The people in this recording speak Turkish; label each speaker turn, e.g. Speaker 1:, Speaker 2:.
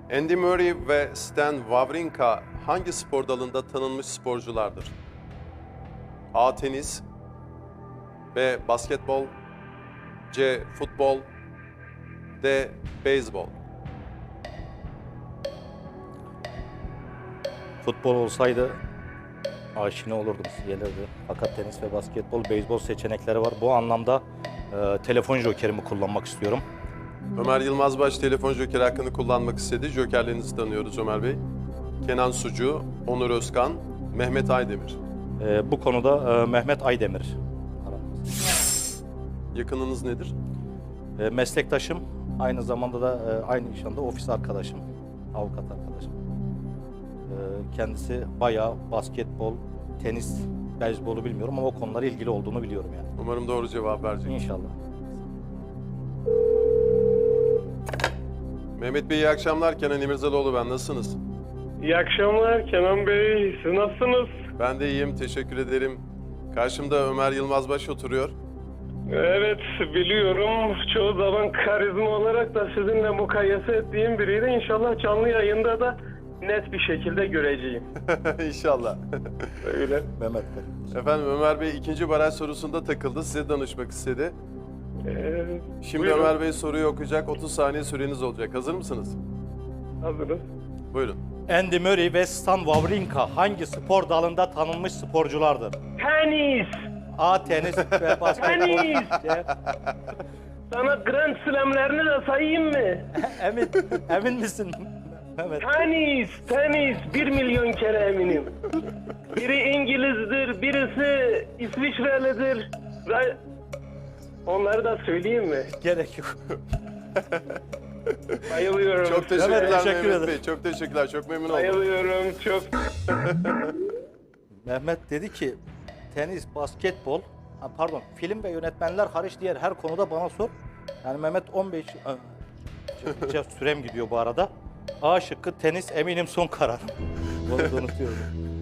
Speaker 1: Andy Murray ve Stan Wawrinka hangi spor dalında tanınmış sporculardır? A. Tenis, B. Basketbol, C. Futbol, D. Beyzbol.
Speaker 2: Futbol olsaydı aşina olurdum, gelirdi. Fakat tenis ve basketbol, beyzbol seçenekleri var. Bu anlamda telefon jokerimi kullanmak istiyorum.
Speaker 1: Ömer Yılmazbaş telefon jokeri hakkını kullanmak istedi. Jokerlerinizi tanıyoruz Ömer Bey. Kenan Sucu, Onur Özkan, Mehmet Aydemir.
Speaker 2: Bu konuda Mehmet Aydemir.
Speaker 1: Yakınınız nedir?
Speaker 2: Meslektaşım, aynı zamanda da aynı iş anda ofis arkadaşım, avukat arkadaşım. Kendisi bayağı basketbol, tenis, beyzbolu bilmiyorum ama o konulara ilgili olduğunu biliyorum yani.
Speaker 1: Umarım doğru cevap verecek.
Speaker 2: İnşallah.
Speaker 1: Mehmet Bey iyi akşamlar. Kenan İmirzalıoğlu ben. Nasılsınız?
Speaker 3: İyi akşamlar Kenan Bey. Siz nasılsınız?
Speaker 1: Ben de iyiyim. Teşekkür ederim. Karşımda Ömer Yılmazbaş oturuyor.
Speaker 3: Evet biliyorum. Çoğu zaman karizma olarak da sizinle mukayese ettiğim biriydi. İnşallah canlı yayında da net bir şekilde göreceğim.
Speaker 1: İnşallah.
Speaker 3: Öyle.
Speaker 2: Mehmet Bey.
Speaker 1: Efendim Ömer Bey ikinci baraj sorusunda takıldı. Size danışmak istedi. Şimdi
Speaker 3: Buyurun.
Speaker 1: Ömer Bey soruyu okuyacak. 30 saniye süreniz olacak. Hazır mısınız?
Speaker 3: Hazırız.
Speaker 1: Buyurun.
Speaker 2: Andy Murray ve Stan Wawrinka hangi spor dalında tanınmış sporculardır?
Speaker 3: Tenis!
Speaker 2: A. Tenis ve basketbol.
Speaker 3: Tenis! Sana Grand Slam'lerini de sayayım mı?
Speaker 2: Emin misin Mehmet?
Speaker 3: Tenis 1 milyon kere eminim. Biri İngiliz'dir, birisi İsviçrelidir. Ve onları da söyleyeyim mi?
Speaker 2: Gerek yok.
Speaker 3: Bayılıyorum.
Speaker 1: Çok teşekkürler
Speaker 2: Evet, teşekkür
Speaker 1: Mehmet
Speaker 2: ederim.
Speaker 1: Bey. Çok teşekkürler. Çok memnun oldum.
Speaker 3: Bayılıyorum çok.
Speaker 2: Mehmet dedi ki tenis, basketbol, film ve yönetmenler hariç diğer her konuda bana sor. Yani Mehmet 15 sürem gidiyor bu arada. A şıkkı tenis eminim son kararım. Onu da unutuyorum.